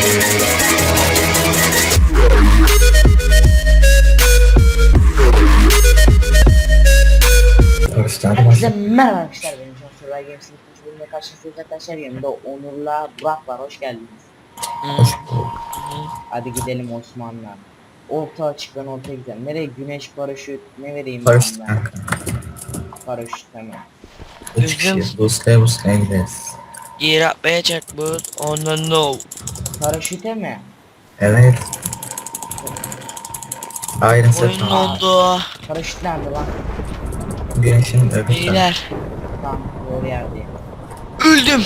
Herkese merhaba arkadaşlar, benim Can Survival Games'in ikinci bölümüne karşınızdayız arkadaşlar. Yanımda Onur'la Burak var, hoş geldiniz. Hadi gidelim Osman'la. Orta açık, ben ortaya gidelim. Nereye? Güneş, paraşüt ne vereyim Paraşüt ben? kanka. Paraşüt hemen. 3 kişiyiz. Buslaya gideriz. Gear atmayacak bu. Oh no no. Paraşüte mi? Evet. Iron set Oyun var. oldu. Paraşüt nerede lan? Güneşin öbür tarafı. Beyler. Tamam, doğru yerdeyim. Öldüm.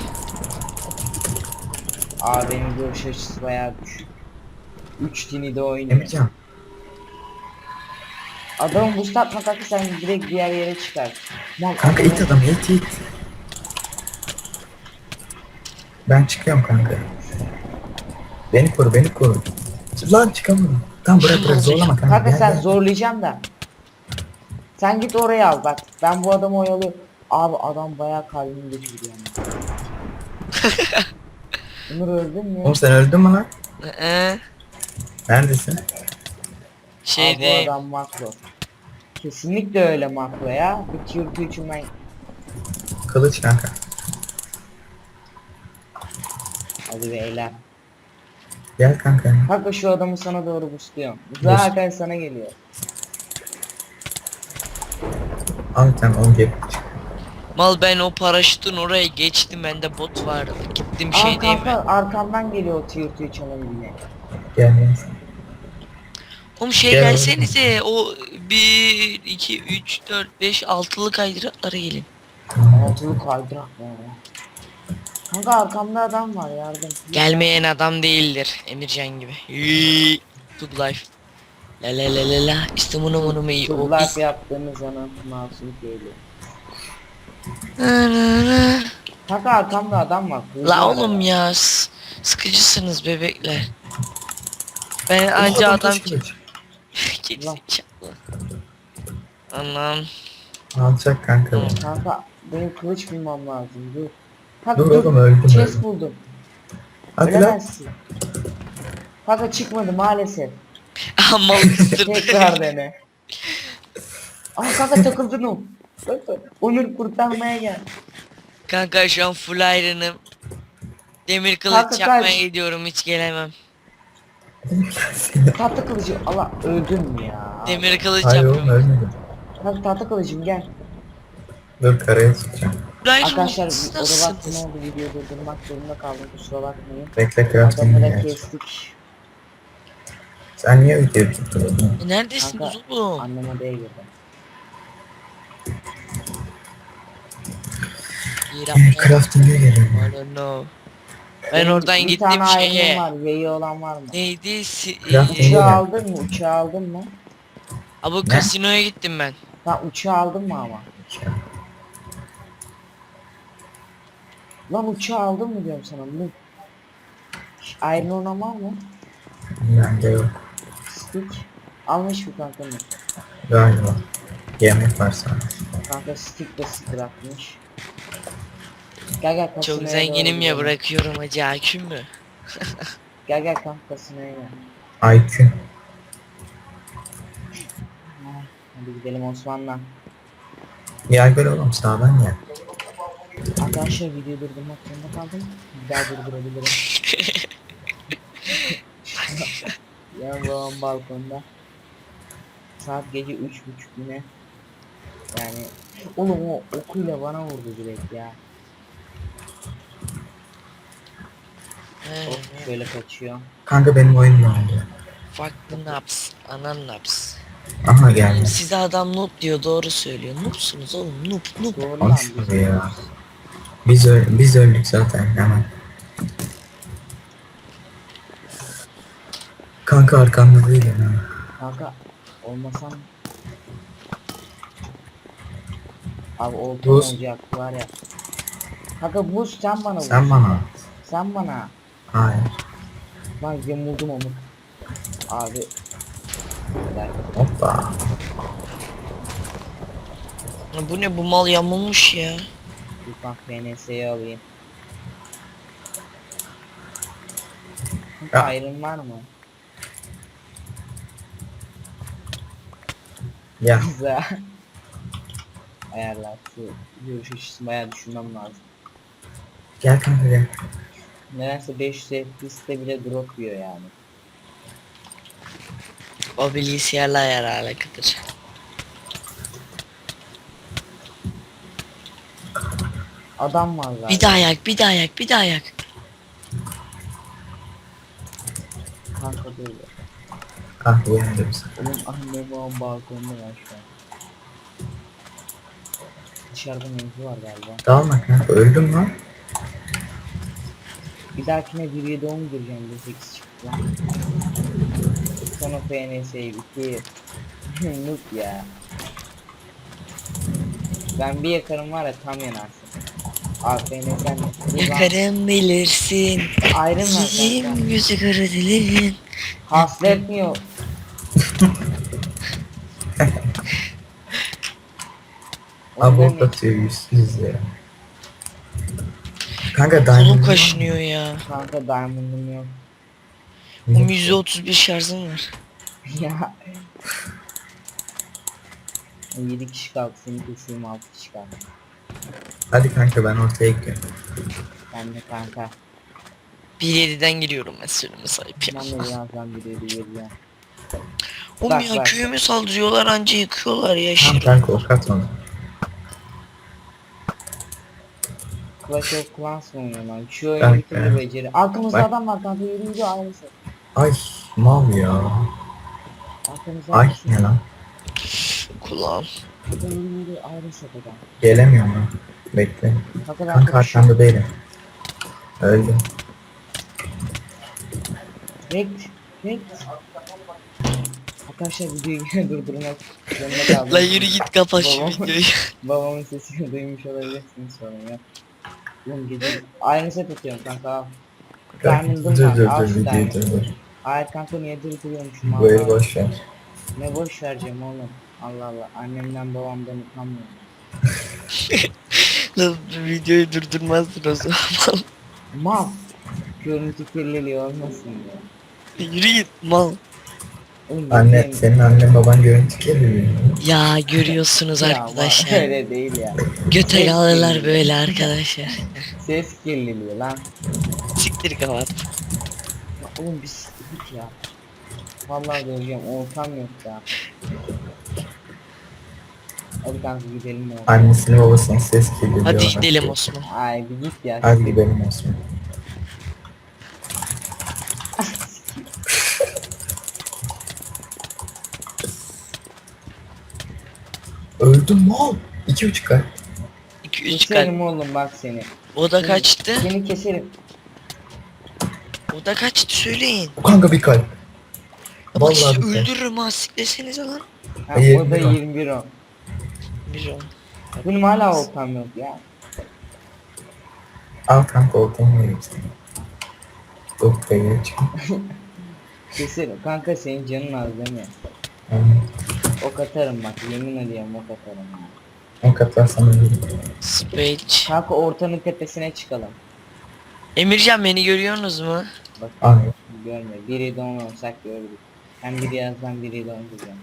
Aa, benim görüş açısı bayağı düşük. 3 tini de oynuyor. Emrecan. Adamı boost atma kanka, sen direkt diğer yere çıkar. Lan Kanka it adam it. Ben çıkıyorum kanka. Beni koru. Lan çıkamadım. Tamam bırak zorlama kanka. Kanka Gel, sen gel. zorlayacağım da. Sen git oraya al bak. Ben bu adamı oyalıyorum. Abi adam bayağı kalbimi götürdü yani. Onur öldün mü? Oğlum sen öldün mü lan? Neredesin? Abi bu Şeyde. adam makro. Kesinlikle öyle makro ya. Bir tier 2 için ben... Kılıç kanka. Hadi beyler. Gel kanka. Kanka şu adamı sana doğru boostluyorum. Zaten sana geliyor. Al sen onu gel. Mal ben o paraşütün oraya geçtim. Bende bot vardı. Gittim Aa şey değil kanka mi? arkamdan geliyor o tier 2 çalabilme. Gel. Oğlum şey Gel gelsenize. O 1, 2, 3, 4, 5, 6'lık kaydıraklara gelin. Altılı kaydırak ya. Kanka arkamda adam var, yardım. Gelmeyen adam değildir. Emircan gibi. Tug life. La la la la la. İşte bunu iyi. O Turlar biz. yaptığımız zaman masum geliyor. Na, na, na. Kanka arkamda adam var. La oğlum ya. Sıkıcısınız bebekler. Ben anca adam Kılıç. Gerizekalı. Anam. Alacak kanka. Tamam. Kanka benim kılıç bulmam lazım. Dur. Kanka Dur oğlum öldüm. Chest buldum. Hadi lan. Ölemezsin. Kanka çıkmadı maalesef. Amal kıstırdı. Tekrar dene. Aa kanka takıldın o. Onur kurtarmaya gel. Kanka şu an full iron'ım. Demir Kanka, kılıç yapmaya kaç. gidiyorum, hiç gelemem. Tahta kılıcı. Allah öldün mü ya? Demir kılıç Hayır oğlum yapıyorum. ölmedim. Kanka tahta kılıcım gel. Dur karaya çıkacağım. Full iron Arkadaşlar olması o da vakti ne nasılsınız? oldu, videoyu durdurmak zorunda kaldım, kusura bakmayın. Bekle crafting'i Adamı da geç. kestik. Sen niye videoyu tutturdun? Neredesiniz Kanka oğlum? annem odaya girdi. Yer yapmaya. Crafting'e geliyorum. I don't know. Ben Benim oradan bir gittim tane şeye. ayrımım var, yayı olan var mı? Neydi? Craft Uçağı Gel. aldın mı? Uçağı aldın mı? Abi Ne? kasinoya gittim ben. Sen uçağı aldın mı ama? Lan uçağı aldın mı diyorum sana. Bu Iron olan var mı? Bende yok. Stick. Almış mı kanka mı? Galiba. Yemek var sana. Kanka stick de bırakmış. Gel gel kasinoya Çok doğru zenginim ya, gidelim. bırakıyorum hacı, aküm mü? Gel gel kanka kasinoya gel. IQ. Hadi gidelim Osman'la. Gel gel oğlum sağdan gel. Arkadaşlar videoyu durdurmak zorunda kaldım. Bir daha durdurabilirim. Ya babam balkonda. Saat gece 3.30 yine. Yani oğlum o okuyla bana vurdu direkt ya. Of şöyle kaçıyor. Kanka benim oyun ne oldu? Farklı naps, anan naps. Aha geldi. Size adam noob diyor, doğru söylüyor. Noobsunuz oğlum, noob. Doğru lan. Konuşma ya. Biz öldük zaten hemen. Kanka arkamda değil ya. Kanka olmasam. Abi oldu Buz. olacak var ya. Kanka buz sen bana vur. Sen bana at. Sen bana. Hayır. Lan yamuldum amık. Abi. Güzel. Hoppa. Bu ne, bu mal yamulmuş ya. Bir bak PNS'yi alayım. Kanka Ya. ayrım var mı? Ya Güzel. Ayarlar şu görüş açısını bayağı düşünmem lazım. gel kanka gel. Nedense 500 FPS'te bile drop yiyor yani. O bilgisayarla ayar alakalıdır. Adam var galiba. Bir daha yak, bir daha yak, bir daha yak. Kanka böyle. Ah uyandım sen. Oğlum annem babam balkonda var şu an. Dışarıda mevzu var galiba. Dalma kanka öldüm lan. Bir dahakine 1'ye doğum gireceğim de 8 çıktı lan. Sonra FNS'yi bitir. Noob ya. Ben bir yakarım var ya tam yanarsın. FNS'den Yakarım bilirsin. ayrım var kanka. Yiyeyim yüzü kara dilin. Hasletmiyor. Abort atıyor yüzsüz ya. Kanka Kolum diamond kaşınıyor ya. Kanka diamond'ım yok. O %31 şarjım var. Ya. 7 kişi kaldı, seni keseyim 6 kişi kaldı. Hadi kanka ben ortaya gidiyorum. Ben de kanka. 1.7'den giriyorum mesela sahip ya. Ben de birazdan bir yeri geleceğim. Oğlum Bak, ya bak. köyüme saldırıyorlar anca yıkıyorlar ya Tamam şerif. kanka ok at onu. Clash of Clans mı oynuyorum lan? Şu oyunu Kanka. bir türlü beceri. Arkamızda Bak. adam var kanka, yürü yürü ayrısı. Ay mal ya. Arkamızda Ay ayrısı. ne lan. Kulağım. Yürü yürü ayrısı adam. Gelemiyorum lan. Bekle. Kanka ben Kanka konuşuyorum. arkanda değilim. Öldüm. Rekt. Arkadaşlar videoyu durdurmak zorunda kaldım. La yürü git kapat şu Babam- videoyu. Babamın sesini duymuş olabilirsiniz sorun yok. Oğlum gece aynı set atıyorum kanka al. Kanka, Diamond'ım dur var, dur al dur şu videoyu diamond'ı. dur. Hayır kanka niye durduruyormuşum Bu evi Allah. boş ver. Ne boş vereceğim oğlum. Allah Allah annemden babamdan utanmıyorum. La videoyu durdurmazdın o zaman. Mal. Görüntü kirliliği olmasın diye. Yürü git mal. Oğlum Anne benim- senin annen baban görüntü geliyor. Ya görüyorsunuz Ya mal, arkadaşlar. öyle değil ya. Göte Ses alırlar kirliliği. böyle arkadaşlar. Ses kirliliği lan. Siktir kapat. Ya oğlum bir siktir git ya. Vallahi döveceğim ortam yok ya. Hadi kanka gidelim ya. Annesini babasını ses geliyor. Hadi diyorlar. gidelim Osman. Ay bir git ya. Hadi gidelim Osman. Öldüm mal. 2,5 kalp. 2-3 Keserim kalp. oğlum bak seni. O da kaçtı. Seni keserim. O da kaçtı söyleyin. Kanka bir kalp. Bak Vallahi sizi bir kalp. öldürürüm ha siklesenize lan. Ha, Hayır, o da bir o. 21 o. Bir o. Benim hala ortam yok ya. Al kanka oltamı vereyim sana. Yok be geç. Keserim. Kanka senin canın az değil mi? Ok atarım bak yemin ediyorum ok atarım. Ya. O katlar sana vereyim. Spage. Kanka ortanın tepesine çıkalım. Emircan beni görüyorsunuz mu? Bak Al. görme. Biri de onu olsak gördük. Ben biri yazdan biri de onu diyeceğim.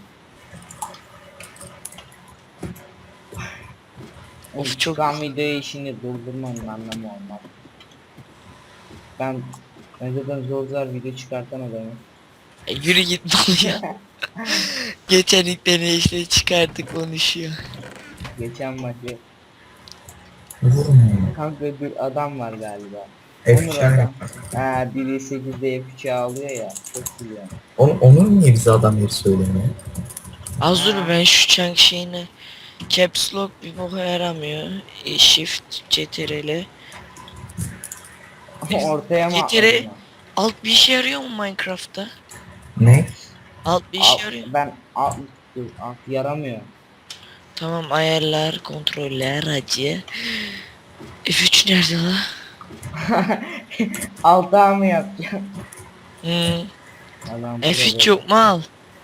Of, çok- Çıkan videoyu işini durdurmanın anlamı olmaz. Ben zaten zor video çıkartan adamım. Yürü git mal ya. Geçen ilklerini işte çıkardık konuşuyor. Geçen maçı. Vurma. Kanka bir adam var galiba. F3 Onur adam. yap. Ha biri 8'de F3'e alıyor ya. Çok biliyor. Onun niye bize adam yeri söylemiyor? Az dur ben şu chunk şeyini. Caps lock bir boka yaramıyor. Shift CTRL. Ortaya mı Getire- atladın? Alt bir işe yarıyor mu Minecraft'ta? Ne? Alt bir işe yarıyor. Ben alt yaramıyor. Tamam ayarlar, kontroller, acı. F3 nerede la? Altığa mı yapacağım? Hmm. Adam F3 yok mu al?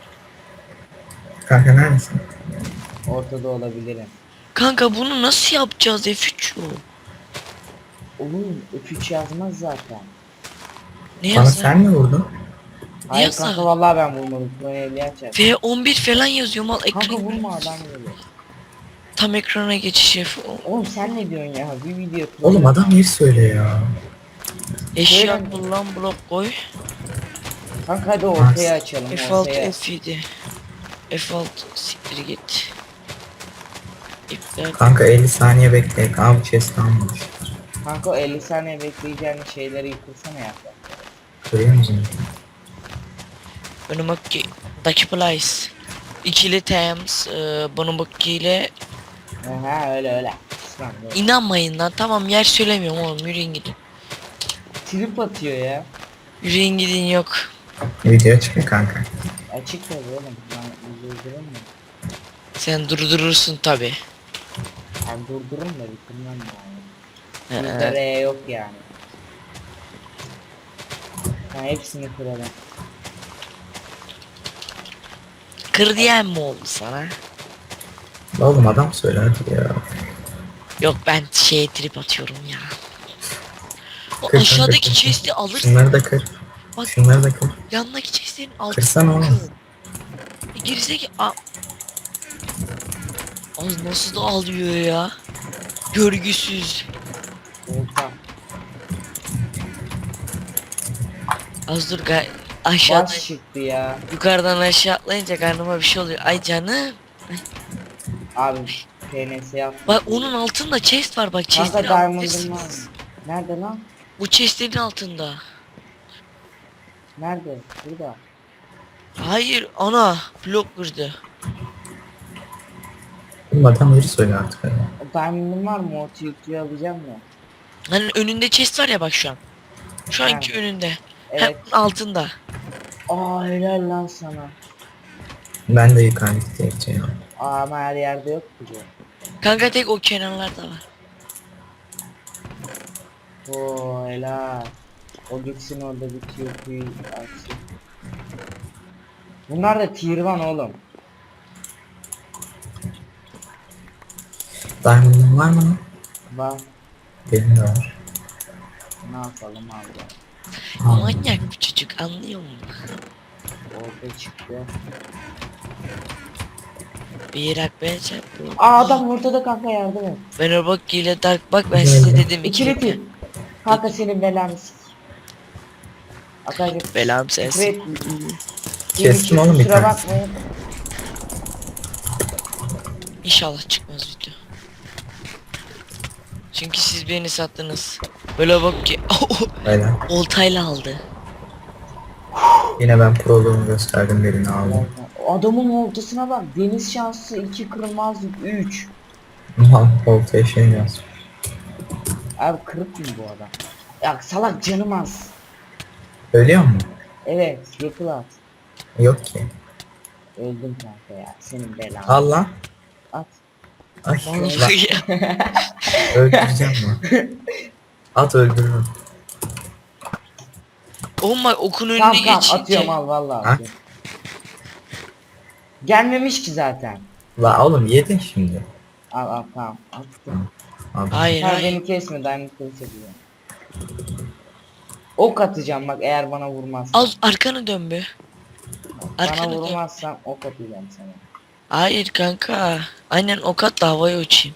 Kanka neredesin? ortada olabilirim. Kanka bunu nasıl yapacağız F3 yok? Oğlum F3 yazmaz zaten. Ne Bana yazar? sen mi vurdun? Hayır yazar? kanka vallahi ben vurmadım. Sonra 50 açar. V11 falan yazıyor mal Kanka ekran. vurma adam geliyor. Tam ekrana geçiş yap. Oğlum sen ne diyorsun ya? Bir video Oğlum adam trolleme. yeri söyle ya. Eşya Söyle. kullan blok koy. Kanka hadi ortaya açalım F6 ortaya. F7. F6 siktir git. İptal. Kanka 50 saniye bekle. Abi chest almamış. Kanka o 50 saniye bekleyeceğin şeyleri yıkılsana ya. Görüyor musun? Bunu bakki. Daki place. İkili Thames. Bunu bakki ile. Ha öyle öyle. Kısmen böyle. İnanmayın lan, tamam yer söylemiyorum oğlum, yürüyün gidin. Trip atıyor ya. Yürüyün gidin, yok. Video çıkıyor kanka. Açık tabii oğlum. Ben durdururum mu? Sen durdurursun tabi. Ben durdururum da bitirmem yani. Bizde R yok yani. Ben hepsini kırarım. Kır diyen mi oldu sana? Oğlum adam söyle hadi ya. Yok, ben şeye trip atıyorum ya. O Kır, aşağıdaki kır, kır. chest'i alırsın. Şunları da kır. Bak, Şunları da kır. yanındaki chest'lerin altına Kırsana oğlum. kır. Gerizeki az nasıl da alıyor ya. Görgüsüz. Olta. Az dur aşağıda Baş çıktı ya. yukarıdan aşağı atlayınca karnıma bir şey oluyor. Ay canım. Abi PNS yap. Bak onun altında chest var, bak Kanka chest'leri diamond'ım var. alabilirsiniz. Nerede lan? Bu chest'lerin altında. Nerede? Burada. Hayır ana, blok kırdı. Oğlum adam yeri söyle artık. Ya. O diamond'ım var mı? O tüyü alacağım mı? Hani önünde chest var ya bak şu an. Şu anki Nerede? önünde. Evet. Hem altında. Aa helal lan sana. Ben de yukarıdaki tehlikeli ya. Aa ama her yerde yok ki bu. Kanka tek o kenarlarda var. Oo helal. O gitsin orada bir tüyü açsın. Bunlar da tier 1 oğlum. Diamond'ın var mı lan? Bak Benim de var. ne yapalım abi. Al. Manyak bu çocuk, anlıyor musun? Orada çıktı. Bir rak ben çarptım. Aa adam ortada kanka yardım et. Ben o bak ile dark bak, ben size dedim İkili ikili. tier. Kanka senin belanı sik. Arkadaşlar Belam sensin. Kestim oğlum bir kusura tanesi. bakmayın. İnşallah çıkmaz video. Çünkü siz beni sattınız. Böyle bak ki Öyle. oltayla aldı. Yine ben proluğumu gösterdim, birini aldım. Adamın ortasına bak. Deniz şansı 2 kırılmazlık 3. Oltaya şey yaz. Abi kırık mı bu adam? Ya salak canım az. Ölüyor mu? Evet yapıl at. Yok ki. Öldüm kanka ya. Senin belanı. Al lan. At. Ay Vallahi lan, ya. öldüreceğim lan. At öldürürüm. Oğlum bak okun önüne Tamam tamam geçince. atıyorum al vallahi Ha? atıyorum. Gelmemiş ki zaten. La oğlum yedin şimdi. Al al tamam attım. Al. Hayır Hayır hayır. beni kesme diamond kılıç yapıyor. Ok atacağım bak eğer bana vurmazsan. Az arkana dön be. Bana Arkana dön. vurmazsan ok atacağım sana. Hayır kanka. Aynen ok at da havaya uçayım.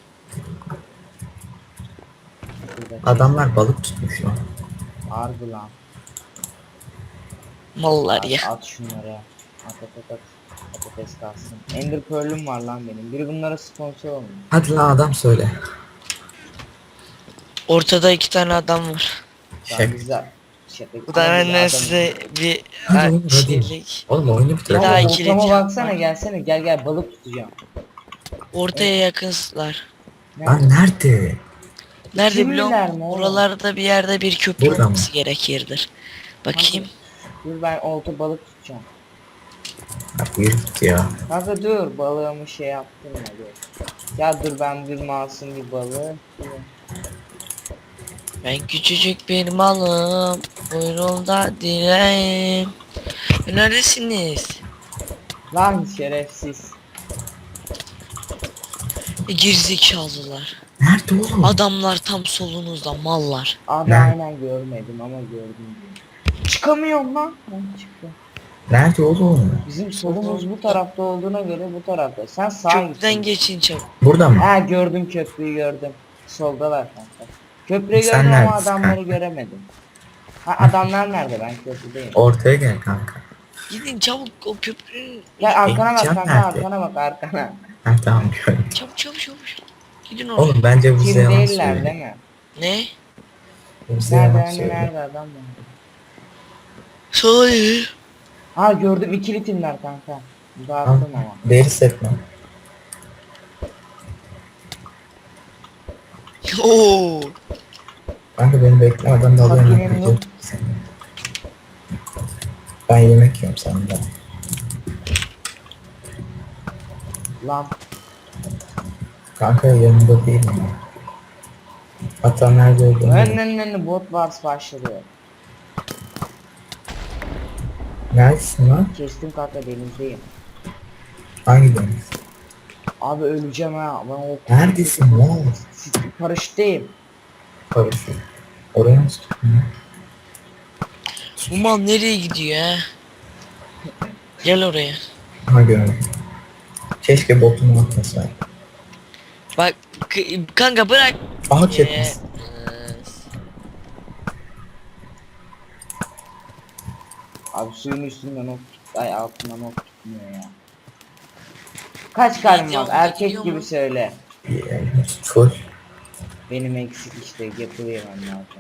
Burada Adamlar balık tutmuş lan. harbi lan. Mallar At, ya. at şunları. At at at at. Patates kalsın. Ender Pearl'üm var lan benim. Biri bunlara sponsor olmuş. Hadi lan adam söyle. Ortada 2 tane adam var. Daha Şaka. güzel. Şaka. Bu da Ama bir benden adam- size bir Hadi oğlum, hadi. şeylik. Oğlum oyunu bitir. Bir daha Kanka ikili ortama yapma. baksana gelsene gel gel balık tutacağım. Ortaya yakınsızlar. Lan nerede? Nerede Kimliler biliyor mi musun? oğlum? Buralarda bir yerde bir köprü Burada mı? olması gerekirdir. Bakayım. Dur ben olta balık tutacağım. Ya yürü git ya. Kanka dur balığımı şey yaptım ya dur. Ya dur ben bir masum bir balığı. Ben küçücük bir malım. Buyruğumda dileğim. Neredesiniz? Lan şerefsiz. Gerizekalılar. Nerede oğlum? Adamlar tam solunuzda, mallar. Abi Ne? aynen görmedim ama gördüm diyor. Çıkamıyorum lan. Ben çıktım. Nerede oğlum? Bizim solumuz bu tarafta olduğuna göre bu tarafta. Sen sağa Köprüden gitsin. geçin çabuk. Burada mı? Ha gördüm, köprüyü gördüm. Soldalar kanka. Köprüyü Sen gördüm ama neredesin adamları kanka? göremedim. Ha adamlar nerede? Ben köprüdeyim. Ortaya gel kanka. Gidin çabuk o köprünün. Gel arkana bak Can kanka, nerede? arkana bak arkana. Ha tamam gördüm. Çabuk çabuk çabuk. Gidin oraya. Oğlum bence bu Kim bize yalan değiller değil söylüyor. mi? Ne? Bu bize yalan Nerede hani söylüyor. nerede adam mı? Söyle. Ha gördüm, ikili timler kanka. Dağıttım ama. Deri setme. Oo. Kanka beni bekle, adam da alıyor. Fakirin nakliye yok. seni. Ben yemek yiyorum senden. Lan Kanka yanımda değil mi? Hatta nerede olduğunu önlerinde bot wars başladı. Neredesin lan? Kestim kanka, denizdeyim. Hangi deniz? Abi öleceğim ha. Ben o Neredesin lan? paraşütteyim. Paraşüt. Oraya nasıl tuttun ya? Bu mal nereye gidiyor ha? Gel oraya. Ha gördüm. Keşke botumu atmasaydı. Bak kanka bırak. Aha Ee, çekmiş. Abi suyun üstünden ok, ay altından ok tutmuyor ya. Kaç kalbim var? Gidiyor mu, Erkek gidiyor gibi mu? söyle. Full. Benim eksik işte, yapılayamam lazım.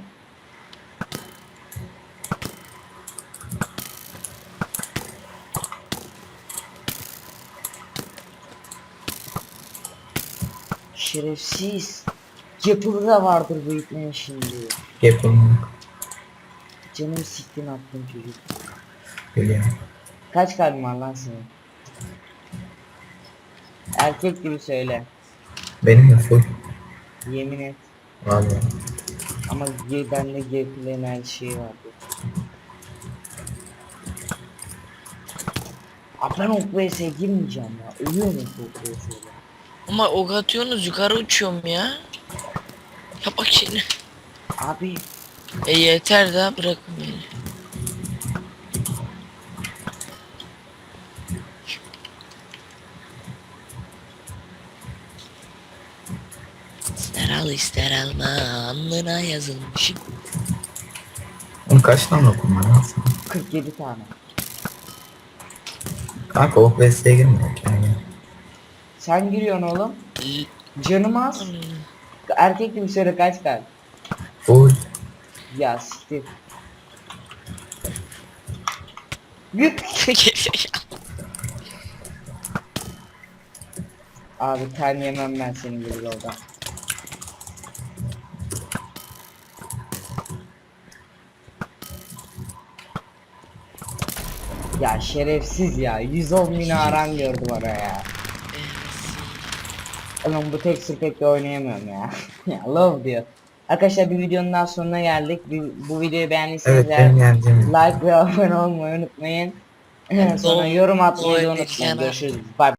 Şerefsiz. Yapılı da vardır bu ipnenin şimdi. Yapalım. Canım siktin attın çocuk. Biliyorum. Kaç kalbin var lan senin? Erkek gibi söyle. Benim de full. Yemin et. Vallahi. Ama bende gepleyen her şey vardı. Abi ben ok vs'ye girmeyeceğim ya. Ölüyorum ok vs'ye. Ama ok atıyorsunuz yukarı uçuyorum ya. Ya bak şimdi. Abi Yeter daha bırakın beni. İster al ister alma alnına yazılmış. Oğlum kaç tane okun var lan senin? 47 tane. Kanka o VS'ye girmiyor yani. Sen giriyorsun oğlum. Canım az. Erkek gibi söyle, kaç kalp. Full. Ya siktir. Git. Abi ten yemem ben senin gibi yoldan. Ya şerefsiz ya. 110 bin aran gördü bana ya. Oğlum bu texture pack'le oynayamıyorum ya. Ya love diyor. Arkadaşlar bir videonun daha sonuna geldik. Bu videoyu beğendiyseniz Evet benim yendiğim. like ve abone olmayı unutmayın. Sonra yorum atmayı da unutmayın. Görüşürüz. Bye.